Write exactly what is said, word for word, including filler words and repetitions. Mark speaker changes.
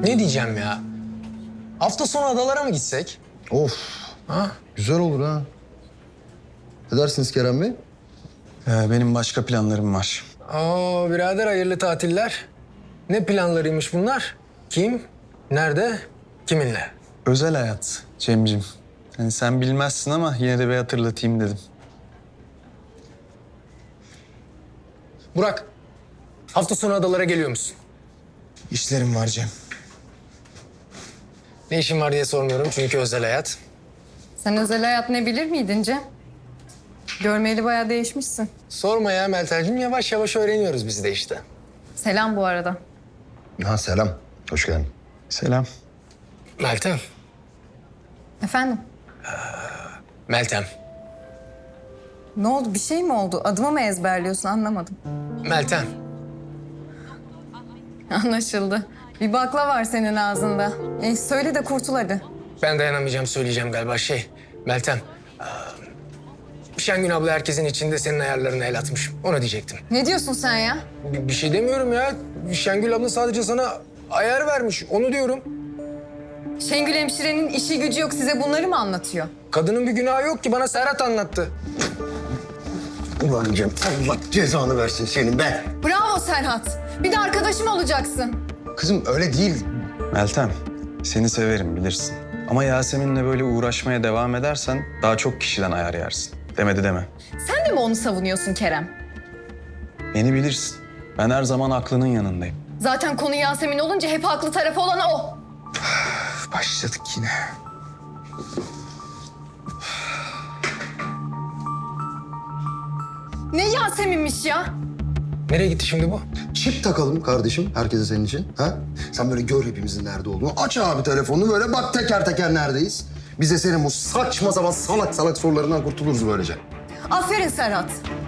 Speaker 1: Ne diyeceğim ya? Hafta sonu adalara mı gitsek?
Speaker 2: Of,
Speaker 1: Ha?
Speaker 2: güzel olur ha. Ne dersiniz Kerem Bey?
Speaker 3: Ee, benim başka planlarım var.
Speaker 1: Oo birader hayırlı tatiller. Ne planlarıymış bunlar? Kim? Nerede? Kiminle?
Speaker 3: Özel hayat Cemcim. Yani sen bilmezsin ama yine de bir hatırlatayım dedim.
Speaker 1: Burak, hafta sonu adalara geliyor musun?
Speaker 4: İşlerim var Cem.
Speaker 1: Ne işin var diye sormuyorum çünkü özel hayat.
Speaker 5: Sen özel hayat ne bilir miydin Cem? Görmeyeli bayağı değişmişsin.
Speaker 1: Sorma ya Meltemciğim, yavaş yavaş öğreniyoruz biz de işte.
Speaker 5: Selam bu arada.
Speaker 2: Ha selam, hoş geldin.
Speaker 3: Selam.
Speaker 1: Meltem,
Speaker 5: Efendim?
Speaker 1: Meltem,
Speaker 5: Ne oldu? Bir şey mi oldu? Adımı mı ezberliyorsun? Anlamadım.
Speaker 1: Meltem.
Speaker 5: Anlaşıldı. Bir bakla var senin ağzında. E, söyle de kurtul hadi.
Speaker 1: Ben dayanamayacağım, söyleyeceğim galiba. Şey, Meltem. eee, Şengün abla herkesin içinde senin ayarlarına el atmış. Onu diyecektim.
Speaker 5: Ne diyorsun sen ya?
Speaker 1: Bir, bir şey demiyorum ya. Şengül abla sadece sana ayar vermiş. Onu diyorum.
Speaker 5: Şengül hemşirenin işi gücü yok. Size bunları mı anlatıyor?
Speaker 1: Kadının bir günahı yok ki. Bana Serhat anlattı.
Speaker 2: Ulan Cem, Allah cezanı versin senin be.
Speaker 5: Bravo Serhat. Bir de arkadaşım olacaksın.
Speaker 2: Kızım öyle değil.
Speaker 3: Meltem, seni severim bilirsin. Ama Yasemin'le böyle uğraşmaya devam edersen daha çok kişiden ayar yersin. Demedi deme.
Speaker 5: Sen de mi onu savunuyorsun Kerem?
Speaker 3: Beni bilirsin. Ben her zaman aklının yanındayım.
Speaker 5: Zaten konu Yasemin olunca hep haklı tarafı olan o.
Speaker 4: Başladık yine.
Speaker 5: Ne Yasemin'miş ya?
Speaker 1: Nereye gitti şimdi bu?
Speaker 2: Çip takalım kardeşim, herkese senin için. Ha? Sen böyle gör hepimizin nerede olduğunu. Aç abi telefonunu böyle bak teker teker neredeyiz. Biz de senin bu saçma sapan salak salak sorularından kurtuluruz böylece.
Speaker 5: Aferin Serhat.